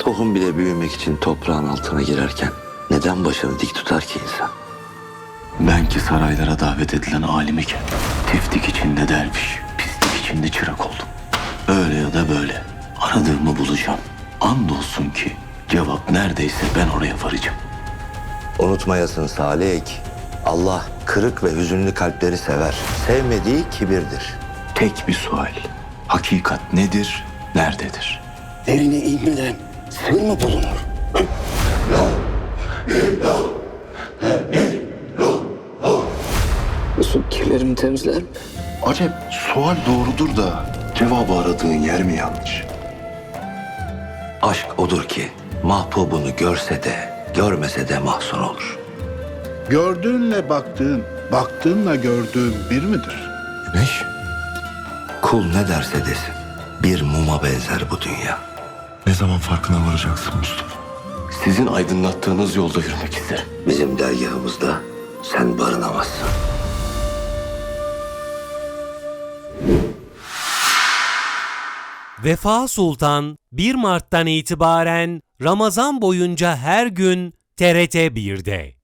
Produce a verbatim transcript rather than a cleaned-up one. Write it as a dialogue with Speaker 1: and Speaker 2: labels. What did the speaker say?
Speaker 1: Tohum bile büyümek için toprağın altına girerken neden başını dik tutar ki insan?
Speaker 2: Ben ki saraylara davet edilen alim iken tiftik içinde derviş, pislik içinde çırak oldum. Öyle ya da böyle aradığımı bulacağım. Andolsun ki cevap neredeyse ben oraya varacağım.
Speaker 1: Unutmayasın Salih, Allah kırık ve hüzünlü kalpleri sever. Sevmediği kibirdir.
Speaker 2: Tek bir sual. Hakikat nedir, nerededir?
Speaker 3: Derine inmeden sır mı bulunur? Su kirlerimi temizler mi?
Speaker 4: Acep sual doğrudur da cevabı aradığın yer mi yanlış?
Speaker 1: Aşk odur ki mahbubunu görse de görmese de mahzun olur.
Speaker 5: Gördüğünle baktığın, baktığınla gördüğün bir midir?
Speaker 4: Güneş?
Speaker 1: Kul ne derse desin bir muma benzer bu dünya.
Speaker 4: Ne zaman farkına varacaksın Mustafa?
Speaker 2: Sizin aydınlattığınız yolda yürümek isterim.
Speaker 1: Bizim dergahımızda sen barınamazsın.
Speaker 6: Vefa Sultan bir Mart'tan itibaren Ramazan boyunca her gün T R T bir'de.